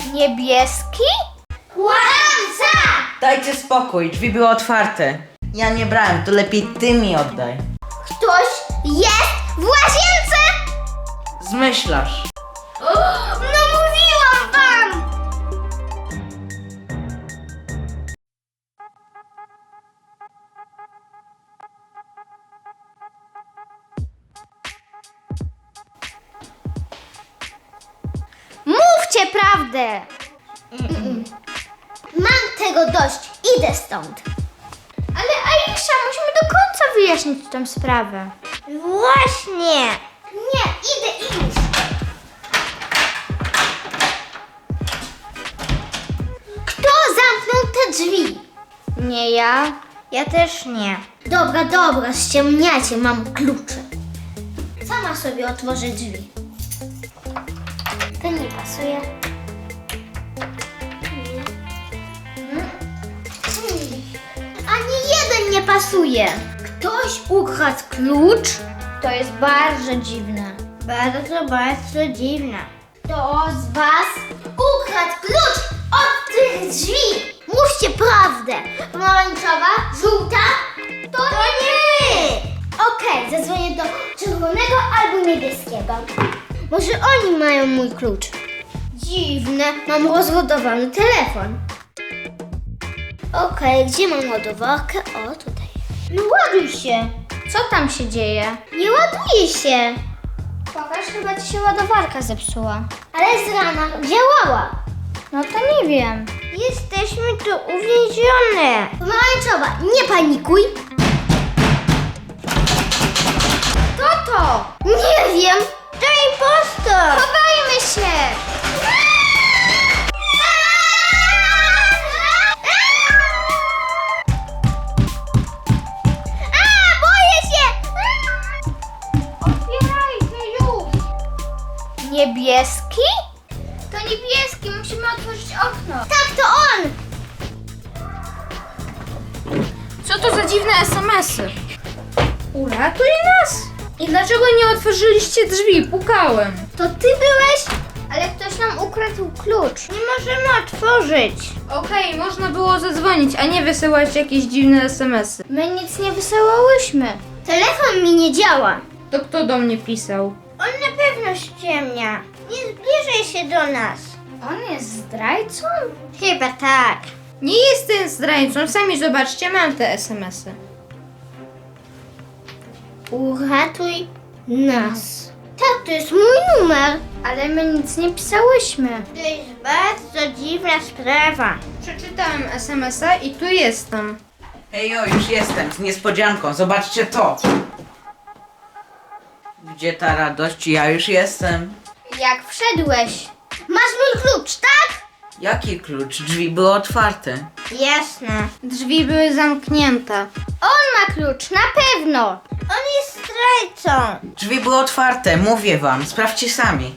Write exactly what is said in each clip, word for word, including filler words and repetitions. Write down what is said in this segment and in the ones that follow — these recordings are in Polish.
Niebieski? Kłamca! Dajcie spokój, drzwi były otwarte. Ja nie brałem, to lepiej ty mi oddaj. Ktoś jest w łazience! Zmyślasz. No mówiłam wam! Mówcie prawdę! Mam tego dość, idę stąd. Ale Aisza, musimy do końca wyjaśnić tę sprawę. Właśnie! Nie, idę iść. Kto zamknął te drzwi? Nie ja. Ja też nie. Dobra, dobra, ściemniacie, mam klucze. Sama sobie otworzę drzwi. To nie pasuje. Hmm. Ani jeden nie pasuje. Ktoś ukradł klucz? To jest bardzo dziwne. Bardzo, bardzo dziwne. Kto z was ukradł klucz od tych drzwi? Mówcie prawdę. Pomarańczowa, żółta? To, to nie! Okej, zadzwonię do czerwonego albo niebieskiego. Może oni mają mój klucz. Dziwne, mam rozładowany telefon. Okej, gdzie mam ładowarkę? O, tutaj. No ładuj się. Co tam się dzieje? Nie ładuje się. Pokaż, chyba ci się ładowarka zepsuła. Ale z rana działała. No to nie wiem. Jesteśmy tu uwięzione. Pomarańczowa, nie panikuj. Kto to? Nie wiem. To impostor. Chowajmy się! A, boję się. Otwierajcie już! Niebieski? To niebieski, musimy otworzyć okno. Tak, to on. Co to za dziwne es em esy? Uratuj nas! I dlaczego nie otworzyliście drzwi? Pukałem. To ty byłeś? Ale ktoś nam ukradł klucz. Nie możemy otworzyć. Okej, można było zadzwonić, a nie wysyłać jakieś dziwne es em esy. My nic nie wysyłałyśmy. Telefon mi nie działa. To kto do mnie pisał? On na pewno ściemnia. Nie zbliżaj się do nas. On jest zdrajcą? Chyba tak. Nie jestem zdrajcą, sami zobaczcie, mam te es em esy. Uratuj nas. Tak, to jest mój numer. Ale my nic nie pisałyśmy. To jest bardzo dziwna sprawa. Przeczytałem es em esa i tu jestem. Hejo, już jestem, z niespodzianką, zobaczcie to. Gdzie ta radość? Ja już jestem. Jak wszedłeś? Masz mój klucz, tak? Jaki klucz? Drzwi były otwarte. Jasne. Drzwi były zamknięte. On ma klucz, na pewno. On jest zdrajcą. Drzwi były otwarte, mówię wam, sprawdźcie sami.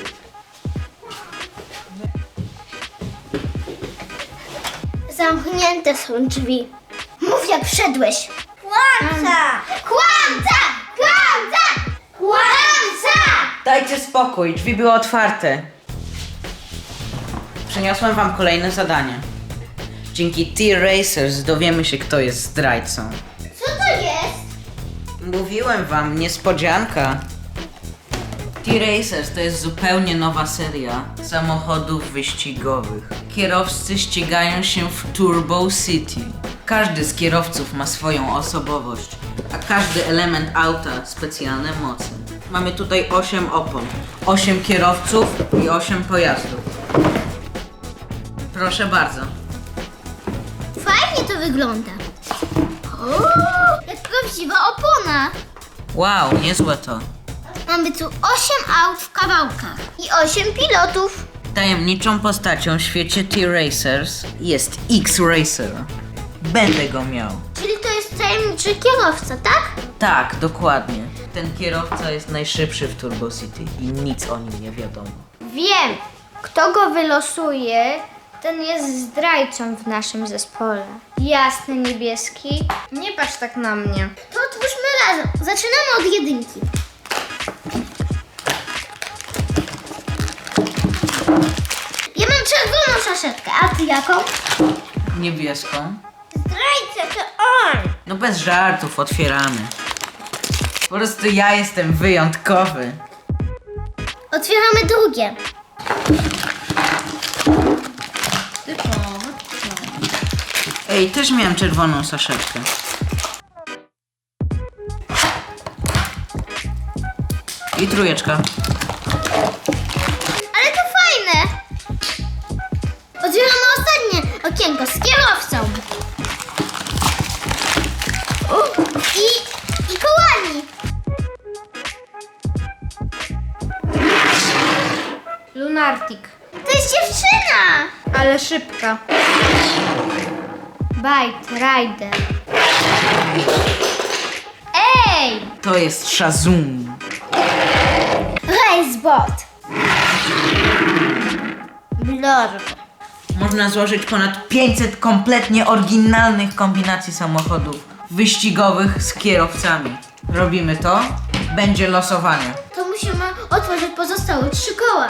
Zamknięte są drzwi. Mów jak wszedłeś. Kłamca! Kłamca! Kłamca! Kłamca! Dajcie spokój, drzwi były otwarte. Przyniosłem wam kolejne zadanie. Dzięki T-Racers dowiemy się, kto jest zdrajcą. Co to jest? Mówiłem wam, niespodzianka. T-Racers to jest zupełnie nowa seria samochodów wyścigowych. Kierowcy ścigają się w Turbo City. Każdy z kierowców ma swoją osobowość, a każdy element auta specjalne moce. Mamy tutaj osiem opon, osiem kierowców i osiem pojazdów. Proszę bardzo. Fajnie to wygląda. O, jak prawdziwa opona. Wow, niezłe to. Mamy tu osiem aut w kawałkach i osiem pilotów. Tajemniczą postacią w świecie T-Racers jest X-Racer. Będę go miał. Czyli to jest tajemniczy kierowca, tak? Tak, dokładnie. Ten kierowca jest najszybszy w Turbo City i nic o nim nie wiadomo. Wiem, kto go wylosuje, ten jest zdrajcą w naszym zespole. Jasny niebieski. Nie patrz tak na mnie. To otwórzmy razem. Zaczynamy od jedynki. Ja mam saszetkę, a ty jaką? Niebieską. Zdrajca, to on! No bez żartów, otwieramy. Po prostu ja jestem wyjątkowy. Otwieramy drugie. Ej, też miałem czerwoną saszetkę. I trójeczka. Ale to fajne! Otwieramy ostatnie okienko z kierowcą. U, I, i kołami. Lunartik. To jest dziewczyna! Ale szybka. Bite Rider. Ej! To jest Shazum. Racebot. Blorbo. Można złożyć ponad pięćset kompletnie oryginalnych kombinacji samochodów wyścigowych z kierowcami. Robimy to, będzie losowanie. To musimy otworzyć pozostałe trzy koła.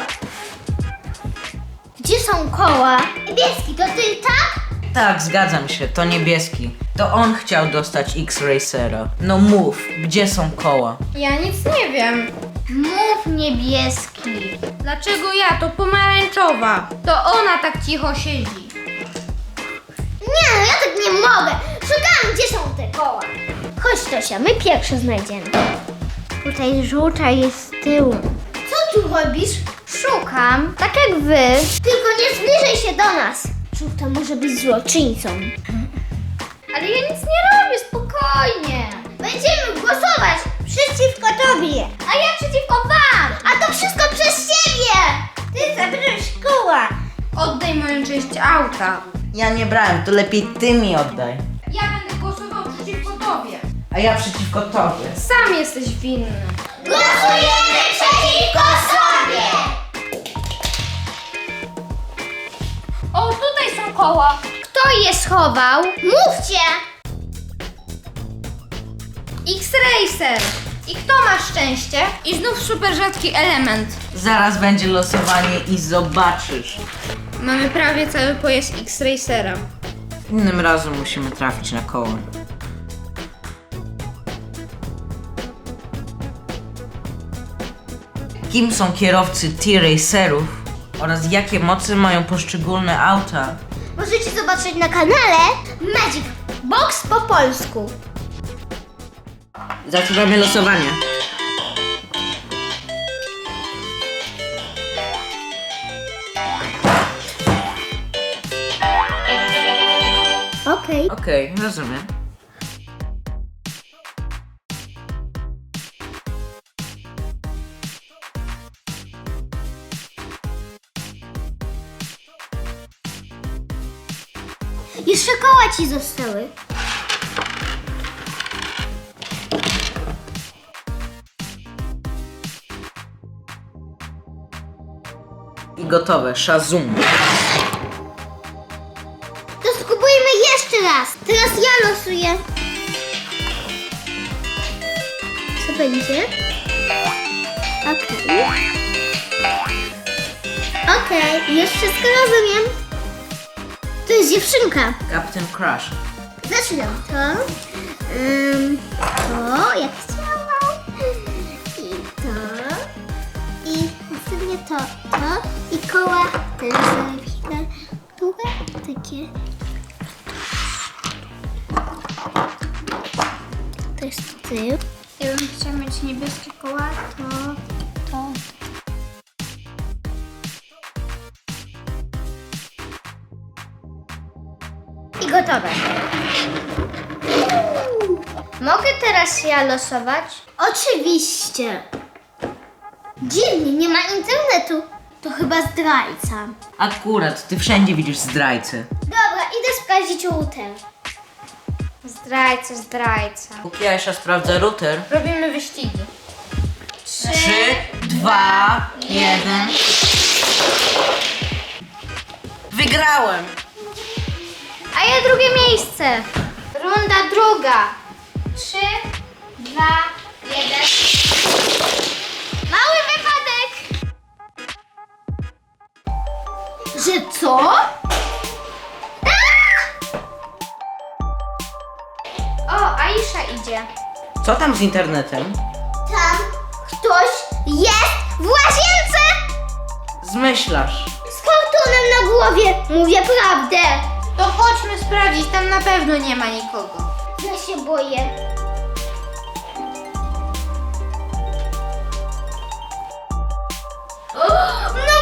Gdzie są koła? Niebieski, to ty, tak? Tak, zgadzam się, to niebieski. To on chciał dostać X-Racera. No mów, gdzie są koła? Ja nic nie wiem. Mów niebieski. Dlaczego ja? To pomarańczowa. To ona tak cicho siedzi. Nie no, ja tak nie mogę. Szukam, gdzie są te koła. Chodź Tosia, my pierwsze znajdziemy. Tutaj żółta jest z tyłu. Co tu robisz? Szukam, tak jak wy. Tylko nie zbliżaj się do nas. Żółta może być złoczyńcą. Ale ja nic nie robię, spokojnie. Będziemy głosować przeciwko tobie. A ja przeciwko wam. A to wszystko przez ciebie. Ty zabrałeś koła. Oddaj moją część auta. Ja nie brałem, to lepiej ty mi oddaj. Ja będę głosował przeciwko tobie. A ja przeciwko tobie. Sam jesteś winny. Głosujemy przeciwko sobie. O, tutaj są koła. Kto je schował? Mówcie. X-Racer. I kto ma szczęście? I znów super rzadki element. Zaraz będzie losowanie i zobaczysz. Mamy prawie cały pojazd X-Racera. Innym razem musimy trafić na koło. Kim są kierowcy T-Racerów oraz jakie moce mają poszczególne auta? Możecie zobaczyć na kanale Magic Box po polsku. Zaczynamy losowanie. Okej. Okej, rozumiem. Jeszcze koła ci zostały. I gotowe, Shazum. To spróbujmy jeszcze raz. Teraz ja losuję. Co będzie? Okej. Okej, już wszystko rozumiem. To jest dziewczynka. Captain Crush. Zaczynam to. Ym, to, jak chciałam. I to. I następnie to, to. I koła też zalepimy. Długie, takie. To jest tył. Ja bym chciała mieć niebieskie koła, to, to. I gotowe. Mogę teraz ja losować? Oczywiście. Dziwnie, nie ma internetu. To chyba zdrajca. Akurat, ty wszędzie widzisz zdrajcę. Dobra, idę sprawdzić router. Zdrajca, zdrajca. Póki Aisha sprawdza router. Robimy wyścigi. Trzy, dwa, jeden. Wygrałem! A ja drugie miejsce. Runda druga. Trzy, dwa, jeden. Mały wypadek. Że co? O, Aisza idzie. Co tam z internetem? Tam ktoś jest w łazience! Zmyślasz. Z kartonem na głowie. Mówię prawdę. To chodźmy sprawdzić, tam na pewno nie ma nikogo. Ja się boję. No